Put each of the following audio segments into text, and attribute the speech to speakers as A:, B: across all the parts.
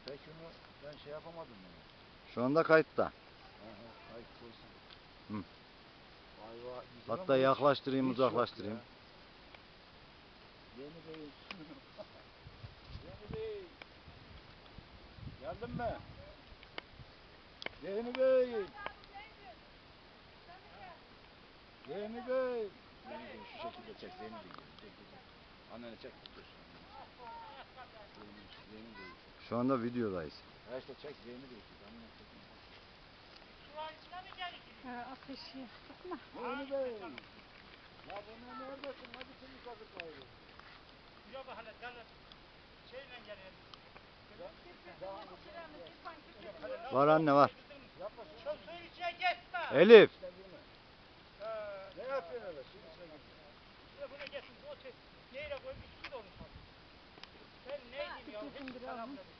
A: Peki onu ben şey yapamadım yani.
B: Şu anda kayıtta.
A: Kayıt olsun.
B: Hı.
A: Ayva güzel
B: Hatta
A: ama
B: yaklaştırayım,
A: hiç yok
B: uzaklaştırayım.
A: ya. Yeni Bey. Yeni Bey. Geldin mi? Yeni Bey. Yeni Bey. Yeni Bey şu şekilde çek Zeyni Bey. Çek. Anneni çek. Dur. Zeyni Bey.
B: Şu anda videodayız.
A: Ha işte çek Zeyni Bey. Anneni çek.
C: Ateşi sıkma.
A: Yeni Bey. Ya buna neredesin? Hadi seni kazıklayalım.
D: Yok hala canım. Şeyle gelelim.
B: Var anne var.
A: Yapma şunu.
D: Şu suyun içine geçme.
B: Elif.
A: Ne yapıyorsun öyle? Suyun içine gir.
D: Ya buna geçsin. O neyle koymuş su da onu sal. Ben ne diyeyim ya? Hiç selam dedim.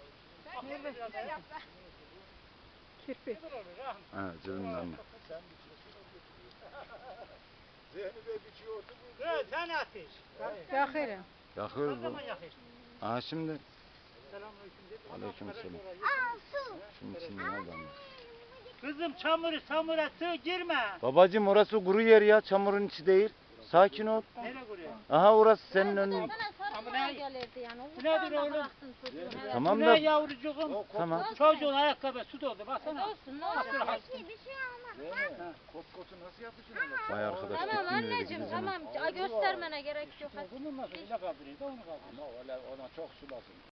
C: Kirpi.
D: Ne olur Rahmi?
B: Ha, cebimden mi?
A: Sen biçiyorsun o götürüyor. Zeyni Bey biçiyordu bu.
D: Evet sen ateş.
C: Yakırım.
B: Yakıyoruz
D: Ne
B: bu.
D: zaman yakış?
B: Aha şimdi.
D: Selamünaleyküm dedi.
B: Aleykümselam. Şimdi nereden?
D: Kızım çamuru samura sığ girme.
B: Babacım orası kuru yer ya, çamurun içi değil. Sakin ol.
D: Nereye kuruyor?
B: Aha orası senin önün.
D: Ama ne?
C: Gelirdi yani.
D: Bu nedir oğlum?
B: Tamam
D: Bu
B: da.
D: ne yavrucuğum?
B: Tamam.
D: Çocuğun ayakkabı su doldu baksana.
C: Olsun ne olacak?
A: Zeyni. Kot nasıl yapacaksın öyle?
B: Vay arkadaş.
C: Tamam
B: gittim öyle
C: anneciğim
B: gideceğim.
C: tamam göstermene gerek yok.
D: Bunun nasıl öyle kaldırıyor da onu kaldırıyor.
A: Ama öyle ona çok sulasın.